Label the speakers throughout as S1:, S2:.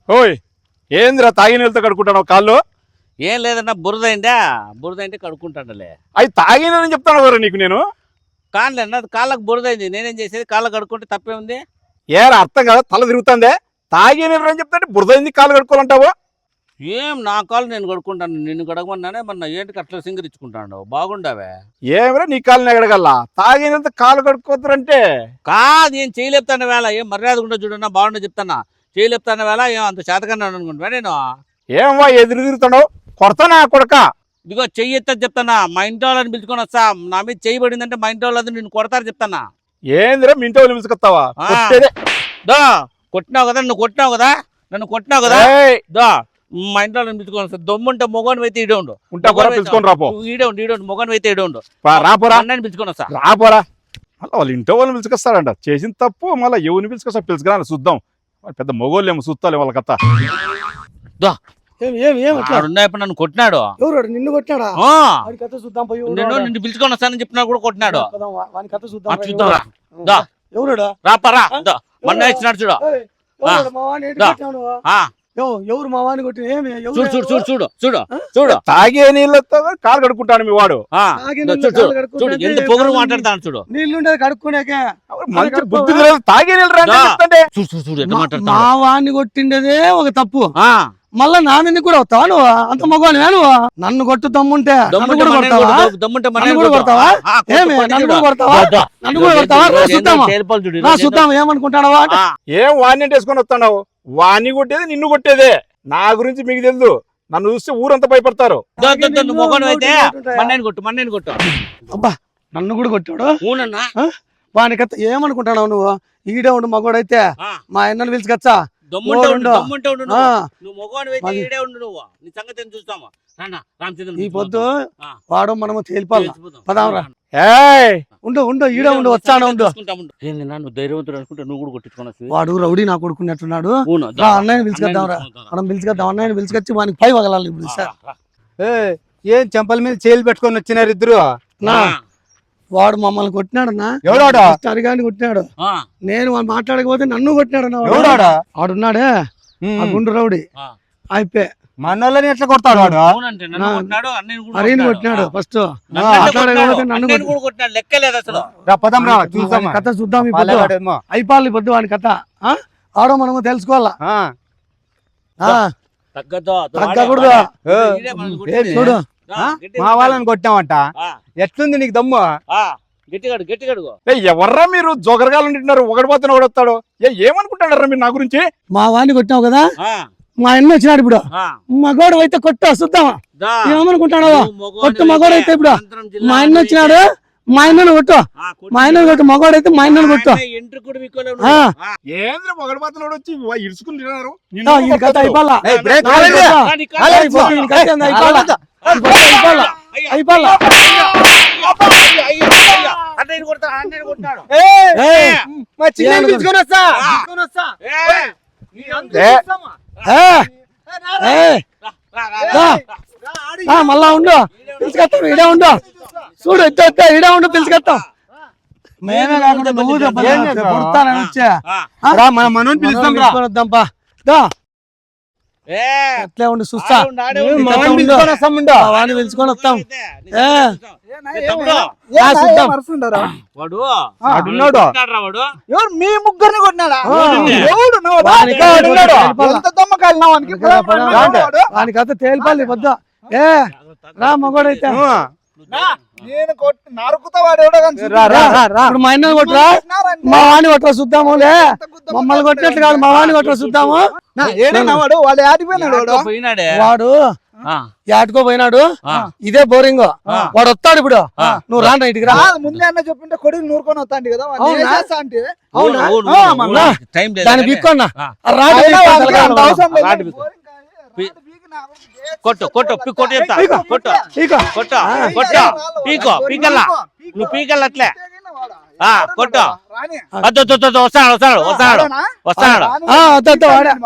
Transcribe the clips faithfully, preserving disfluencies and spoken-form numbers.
S1: ఓయ్ ఏందిరా తాగి నీళ్ళతో కడుక్కుంటాను కాళ్ళు?
S2: ఏం లేదన్నా బురదైందా బురదైంటే కడుక్కుంటానులే.
S1: అవి తాగినని చెప్తాను కదా నీకు నేను.
S2: కాళ్ళే అన్న కాళ్ళకు బురదైంది, నేనేం చేసేది? కాళ్ళకు కడుక్కుంటే తప్పే ఉంది.
S1: ఏరా అర్థం కదా, తల తిరుగుతుందే. తాగి నీళ్ళు అని చెప్తాంటే బురదైంది కాళ్ళు కడుక్కోవాలంటావు?
S2: ఏం నా కాళ్ళు నేను కడుక్కుంటాను, నిన్ను కడగమన్నానే మొన్న ఏంటికి అట్లా సింగరించుకుంటాను. బాగుండావే.
S1: ఏమరా నీ కాళ్ళని ఎగడగల్లా? తాగి నీళ్ళతో కాళ్ళు కడుక్కోతారంటే
S2: కాదు, ఏం చేయలేపుతాను వేళ, ఏం మర్యాద కూడా చూడన్నా బాగుండే చెప్తానా. చేయలేపుతాను వేళ ఏం అంత చేతకన్నా అనుకుంటున్నా నేను.
S1: ఏమవా ఎదురు తిరుగుతున్నావు? కొడతానా కొడక?
S2: ఇదిగో చెయ్యి ఎత్తని చెప్తానా, మా ఇంటి వాళ్ళని పిలుచుకొని వస్తా. నా మీద చెయ్యి పడిందంటే మా ఇంటి వాళ్ళు నిన్ను కొడతారు చెప్తానా.
S1: ఏందిరా మీ ఇంటి వాళ్ళు పిలుచుకొస్తావా?
S2: దా కొట్టినావు కదా, నువ్వు కొట్టినావు కదా, నన్ను కొట్టినావు కదా. దా మా ఇంట్లో పిలుచుకొని వస్తా. దమ్ముంటే మొగోని అయితే ఈడే ఉండు.
S1: ఉంటా పిలుచుకొని రాపో.
S2: ఈడే ఉండు ఈడే ఉండు మొగోని అయితే ఈడే ఉండు.
S1: రాపోరా,
S2: అన్నని పిలుచుకొని వస్తా.
S1: రాపోరా. మళ్ళీ వాళ్ళ ఇంట్లో వాళ్ళని పిలుచుకొస్తాడంట. చేసిన తప్పు మళ్ళీ ఎవరిని పిలుచుకొస్తా పిలుచుకురా చూద్దాం. పెద్ద మొగోళ్ళు ఏమో చూస్తాలే వాళ్ళ కథ.
S2: నన్ను కొట్టినాడు.
S3: నిన్ను కొట్టినాడా?
S2: నేను నిన్ను పిలుచుకొని వస్తానని చెప్పినా కూడా కొట్టినాడు.
S3: ఎవరు
S2: రాపరా మొన్న ఇచ్చినాడు చూడు.
S3: ఎవరు మా వాడిని కొట్టి?
S2: చూడు చూడు చూడు చూడు చూడు చూడు
S1: తాగే నీళ్ళతో కాలు కడుక్కుంటాను మీ వాడు.
S2: చూడు ఎంత పొగరు మాట్లాడతాను చూడు.
S3: నీళ్ళు కడుక్కునేకే
S1: మంచి బుద్ధి లేదు. తాగే నీళ్ళు
S3: మా వాడిని కొట్టిండేదే ఒక తప్పు. మళ్ళా నాన్నని కూడా వస్తావా నువ్వు? అంత మగవాని నువ్వు? నన్ను కొట్టు దమ్ముంటే నన్ను కూడా కొడతావా? నన్ను కూడా కొడతావా? ఏమి నన్ను కూడా కొడతావా? నన్ను కూడా కొడతావా? చూద్దామా నా చూద్దాం ఏమనుకుంటాడవా?
S1: ఏం వాడిని వేసుకొని వస్తున్నావు? వాణ్ణి కొట్టేది నిన్ను కొట్టేదే. నా గురించి మీకు తెలుసు. నన్ను చూస్తే ఊరంతా భయపడతారు.
S2: మొగను అయితే మన్నని కొట్టు మన్నని కొట్టు.
S3: అబ్బా నన్ను కూడా కొట్టాడు. వానికత్త ఏమనుకుంటావు నువ్వు? ఈడే ఉండు మగోడైతే మా అన్నను పిలుచుకొచ్చా. ఈ పొద్దు వాడు మనము తేలిపాలి. పదాంరా. ఉండు ఉండు ఈడే ఉండు వచ్చాను ఉండు.
S2: నువ్వు ధైర్యవంతుడు అనుకుంటే నువ్వు కూడా కొట్టించుకున్నా.
S3: వాడు రౌడీ నా కొడుకున్నట్టున్నాడు. అన్నయ్యని పిలుచుకొద్దాం రా. మనం పిలుచుకొద్దాం. అన్నయ్యని పిలుచుకొచ్చి వానికి పై వగలాలి ఇప్పుడు. సార్
S4: ఏం చెంపల మీద చేలు పెట్టుకొని వచ్చినారు ఇద్దరు?
S3: వాడు మమ్మల్ని కొట్టినాడు అన్న.
S4: ఎవడాడా?
S3: అరిగాని కొట్టినాడు. నేను వాడు మాట్లాడకపోతే నన్ను కొట్టినాడు అన్న.
S4: ఎవడాడా?
S3: వాడున్నాడే ఆ గుండు రౌడీ అయిపోయి
S4: మనల్ని ఎట్లా కొడతాడు వాడు?
S3: అరేని కొట్టినాడు ఫస్ట్. మాట్లాడకపోతే నన్ను కథ చూద్దాం. ఈ పొద్దు అయిపోవాలి. పొద్దు వాని కథ ఆడో మనము తెలుసుకోవాలా. తగ్గకూడదు. చూడు
S4: మా వాళ్ళని కొట్టామంట. ఎట్లుంది నీకు దమ్ము?
S2: గట్టిగాడు గట్టిగాడు.
S1: ఎవర్రా మీరు జోగరగాలు ఉంటున్నారు? ఒకటి పోతే ఒకడొస్తాడు. ఏమనుకుంటాడరా మీరు నా గురించి?
S3: మా వాడిని కొట్టినావు కదా, మా అన్న వచ్చినాడు ఇప్పుడు. మగోడు అయితే కొట్టు చూద్దామా ఏమనుకుంటాడు? కొట్టు మగోడు అయితే ఇప్పుడు. మా అన్న వచ్చినాడు, మా అన్నను కొట్టు. మా అన్నను కొట్టు. మగోడు అయితే మా అన్నను కొట్టు. కథ అయిపోవాలా. అయిపోవాలా. మళ్ళా ఉండు పిలుచుకొస్తాం. ఇడే ఉండు. చూడు ఇట్ట ఇడే ఉండు పిలుచుకొస్తాం. మేమే కాకుండా నువ్వు కొడతానని వచ్చా మన మనోని పిలుస్తాంపా. అట్లే ఉండి చూస్తా. వాడిని పిలుచుకొని వస్తాం.
S4: మీ ముగ్గురిని కొట్టినాడా?
S3: వాని కథ తేలిపాలి వద్దా. ఏ రా మగోడైతే
S4: నేను కొట్టి నరుకుతావాడు.
S3: ఇప్పుడు మా అన్నని కొట్టరా, మా వాడిని కొట్టరా చూద్దాములే. మమ్మల్ని కొట్టినట్లు కాదు, మా వాడిని కొట్టరా చూద్దాము.
S4: వాడు వాడు ఆడిపోయినాడు.
S3: వాడు యాటుకో పోయినాడు. ఇదే బోరింగ్. వాడు వస్తాడు ఇప్పుడు. నువ్వు రాండి ఇంటికి రా.
S4: ముందే అన్న చెప్పింటే కొడుకు నూరుకొని వస్తాండి కదా.
S3: దాన్ని బిక్కున్నా
S2: కొట్టు కొట్టు కొట్టు చెప్తా. కొట్టు కొట్టు కొట్టు పీకో పీకల్లా. నువ్వు పీకల్లా అట్లే కొట్టు. వస్తాడు వస్తాడు వస్తాడు వస్తాడు.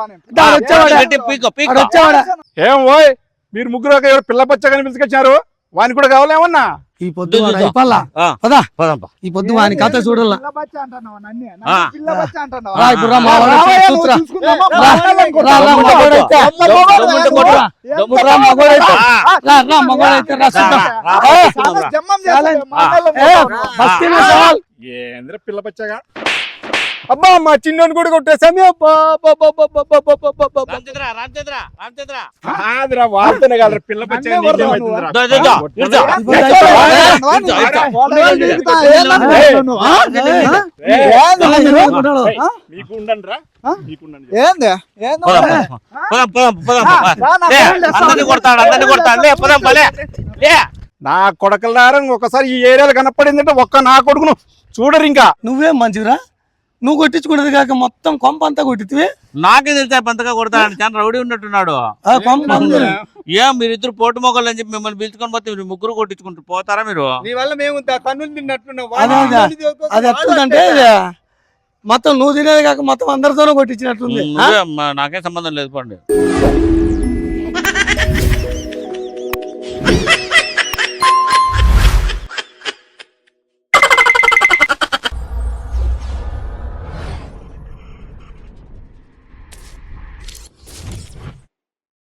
S2: పీకో పీకో.
S1: ఏం ఓయ్ మీరు ముగ్గురు ఎవరు పిల్ల పచ్చగాని పిలుచుకొచ్చారు? వానికి కూడా కావాలేమన్నా
S3: ఈ పొద్దు వాడు అయిపోల్లా.
S2: ఆ.
S3: పదా
S2: పదంపా.
S3: ఈ పొద్దు వాని కథ చూడాల.
S4: పిల్ల బచ్చ అంటున్నావా నన్ను?
S2: ఆ.
S4: నన్ను పిల్ల బచ్చ అంటున్నావా?
S3: రా ఇప్పుడు రా, మా వాడు
S4: రావయ్యా,
S3: వచ్చి
S4: నువ్వు
S3: చూస్తురా.
S4: చూసుకుందామా?
S3: రా,
S4: మగవాళ్ళని
S3: రా, రా,
S4: కొట్టు.
S3: మగవాడైతే.
S2: దమ్ముంటే కొట్టురా.
S3: దమ్ముంటే రా, మగవాడైతే.
S2: ఆ.
S3: రా, రా, మగవాడైతే రా, చూద్దాం.
S2: రా,
S3: ఏ,
S2: చూద్దాం రా.
S4: జమ్మం చేస్తాడు, మగవాళ్ళని
S3: ఏ,
S4: కొట్టు.
S3: బస్తీలో సవాల్.
S1: ఏంద్ర పిల్ల బచ్చగా
S4: అబ్బా మా చిన్నోని కూడా కొట్టేసామి. అబ్బా అబ్బా, అబ్బా, అబ్బా, అబ్బా, అబ్బా, అబ్బా, అబ్బా.
S2: రామచంద్ర రామచంద్ర రామచంద్ర
S1: కాదురా వాళ్ళతోనే కాదురా పిల్ల బచ్చగా
S4: నన్నే కొడతావా
S1: నీకేమైతుందిరా?
S2: దో, దో, దో. ఇరుచో.
S3: ఇప్పుడు అయిపోయిందా?
S2: ఇరుచో, ఇరుచో.
S4: వాళ్ళని దిగుతా, ఏందన్నా
S1: ఏయ్.
S4: కొట్టావు?
S3: ఆ?
S1: ఏయ్,
S4: ఏందన్నా
S3: ఏయ్,
S4: మీరు?
S3: కొట్టాడు.
S1: ఏయ్, మీకు ఉండండి రా
S4: ఆ?
S1: మీకు ఉండండి.
S4: ఏంది? ఏంది?
S2: పదం, పదం, పదం, పదం,
S4: రా,
S2: పదం.
S4: రా, నా
S2: లే,
S4: ఫోన్ చేస్తా.
S2: అందరినీ కొడతాడు అందరినీ కొడతాడు లే పదం పలే లే
S1: నా కొడకలారం ఒకసారి ఈ ఏరియాలో కనపడిందంటే ఒక్క నా కొడుకును చూడరు ఇంకా.
S3: నువ్వేం మంచిరా, నువ్వు కొట్టించుకున్నది కాక మొత్తం కొంప అంతా కొట్టితివి.
S2: నాకే తెలిసా పంతగా కొడతాడు చాలా రౌడీ ఉన్నట్టున్నాడు.
S3: ఆ కొంప అంతా.
S2: ఏం మీరిద్దరు పోటు మొగలు అని చెప్పి మిమ్మల్ని పిలుచుకొని పోతే మీరు ముగ్గురు కొట్టించుకుంటారు పోతారా మీరు?
S4: నీ వల్ల మేము త- తన్నులు తిన్నట్టున్నాం.
S3: అదే, అదే. అది ఎట్లుందంటే ఇది మొత్తం నువ్వు తినేది కాక మొత్తం అందరితోనూ కొట్టించినట్టుంది. ఆ?
S2: నువ్వే అమ్మా, నాకేం సంబంధం లేదు పండి.